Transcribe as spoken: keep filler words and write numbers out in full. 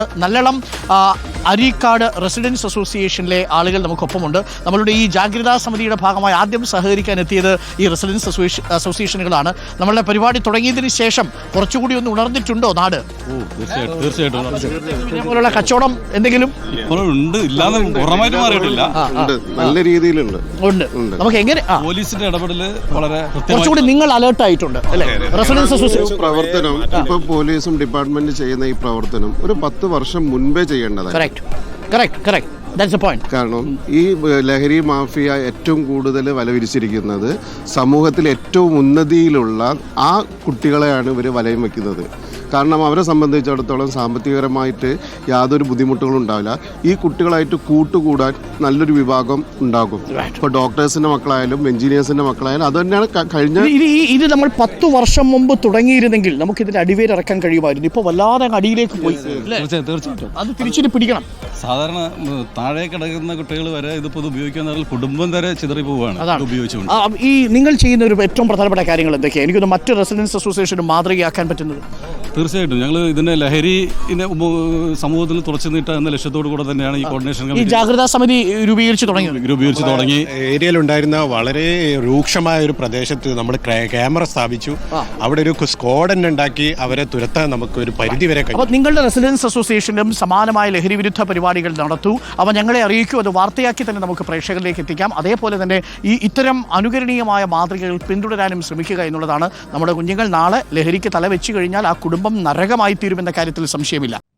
Nallalam Areekkad residence അസോസിയേഷനിലെ ആളുകൾ നമുക്കൊപ്പമുണ്ട്. നമ്മളുടെ ഈ ജാഗ്രതാ സമിതിയുടെ ഭാഗമായി ആദ്യം സഹകരിക്കാൻ എത്തിയത് ഈ റെസിഡൻസ് അസോസിയേഷനുകളാണ്. നമ്മളുടെ പരിപാടി തുടങ്ങിയതിന് ശേഷം കുറച്ചുകൂടി ഒന്ന് ഉണർന്നിട്ടുണ്ടോ നാട്? ഇതേപോലുള്ള കച്ചവടം എന്തെങ്കിലും ഉണ്ട്, നല്ല രീതിയിലുണ്ട്. നമുക്ക് എങ്ങനെ പോലീസിന്റെ ഇടപെടൽ വളരെ കുറച്ചുകൂടി നിങ്ങൾ അലേർട്ട് ആയിട്ടുണ്ട് അല്ലേ? റെസിഡൻസ് അസോസിയേഷൻ പ്രവർത്തനം ഇപ്പൊ പോലീസും ഡിപ്പാർട്ട്മെന്റ് ചെയ്യുന്ന ഈ പ്രവർത്തനം ഒരു പത്ത് വർഷം മുൻപേ ചെയ്യേണ്ടതാണ്. കാരണം ഈ ലഹരി മാഫിയ ഏറ്റവും കൂടുതൽ വലവിരിച്ചിരിക്കുന്നത് സമൂഹത്തിൽ ഏറ്റവും ഉന്നതിയിലുള്ള ആ കുട്ടികളെയാണ് ഇവർ വലയം വെക്കുന്നത്. കാരണം അവരെ സംബന്ധിച്ചിടത്തോളം സാമ്പത്തികപരമായിട്ട് യാതൊരു ബുദ്ധിമുട്ടുകളും ഉണ്ടാവില്ല. ഈ കുട്ടികളായിട്ട് കൂട്ടുകൂടാൻ നല്ലൊരു വിഭാഗം ഉണ്ടാകും. ഇപ്പോൾ ഡോക്ടേഴ്സിന്റെ മക്കളായാലും എഞ്ചിനീയേഴ്സിന്റെ മക്കളായാലും അത് തന്നെയാണ് കഴിഞ്ഞ ഇത് നമ്മൾ പത്ത് വർഷം മുമ്പ് തുടങ്ങിയിരുന്നെങ്കിൽ നമുക്ക് ഇതിന്റെ അടിവേരിറക്കാൻ കഴിയുമായിരുന്നു. ഇപ്പോൾ വല്ലാതെ അടിയിലേക്ക് പോയി. തീർച്ചയായിട്ടും അത് തിരിച്ചിട്ട് പിടിക്കണം. സാധാരണ താഴെ കിടക്കുന്ന കുട്ടികൾ വരെ ഇതിപ്പോൾ ഉപയോഗിക്കുന്ന കുടുംബം വരെ ചിതറി പോവുകയാണ് ഉപയോഗിച്ചുകൊണ്ട്. ഈ നിങ്ങൾ ചെയ്യുന്ന ഒരു ഏറ്റവും പ്രധാനപ്പെട്ട കാര്യങ്ങൾ എന്തൊക്കെയാണ്? എനിക്കൊന്ന് മറ്റ് റെസിഡൻസ് അസോസിയേഷനും മാതൃകയാക്കാൻ പറ്റുന്നത്. തീർച്ചയായിട്ടും ഞങ്ങൾ ഇതിന്റെ ലഹരിനെ സമൂഹത്തിൽ തുറച്ചു നീട്ടുക എന്ന ലക്ഷ്യത്തോടു കൂടെ തന്നെയാണ് ഈ കോർഡിനേഷൻ ഈ ജാഗ്രതാ സമിതി രൂപീകരിച്ച് തുടങ്ങി രൂപീകരിച്ച് തുടങ്ങി ഏരിയയിൽ ഉണ്ടായിരുന്ന വളരെ രൂക്ഷമായ ഒരു പ്രദേശത്ത് നമ്മൾ ക്യാമറ സ്ഥാപിച്ചു. അവിടെ ഒരു സ്ക്വാഡ് തന്നെ ഉണ്ടാക്കി അവരെ തുരത്താൻ നമുക്ക് ഒരു പരിധി വരെ കഴിയും. അപ്പോൾ നിങ്ങളുടെ റെസിഡൻസ് അസോസിയേഷനും സമാനമായ ലഹരി വിരുദ്ധ പരിപാടികൾ നടത്തൂ. അവ ഞങ്ങളെ അറിയിക്കൂ. അത് വാർത്തയാക്കി തന്നെ നമുക്ക് പ്രേക്ഷകരിലേക്ക് എത്തിക്കാം. അതേപോലെ തന്നെ ഈ ഇത്തരം അനുകരണീയമായ മാതൃകകൾ പിന്തുടരാനും ശ്രമിക്കുക എന്നുള്ളതാണ്. നമ്മുടെ കുഞ്ഞുങ്ങൾ നാളെ ലഹരിക്ക് തലവെച്ച് കഴിഞ്ഞാൽ ആ കുടുംബം നരകമായി തീരുമെന്ന കാര്യത്തിൽ സംശയമില്ല.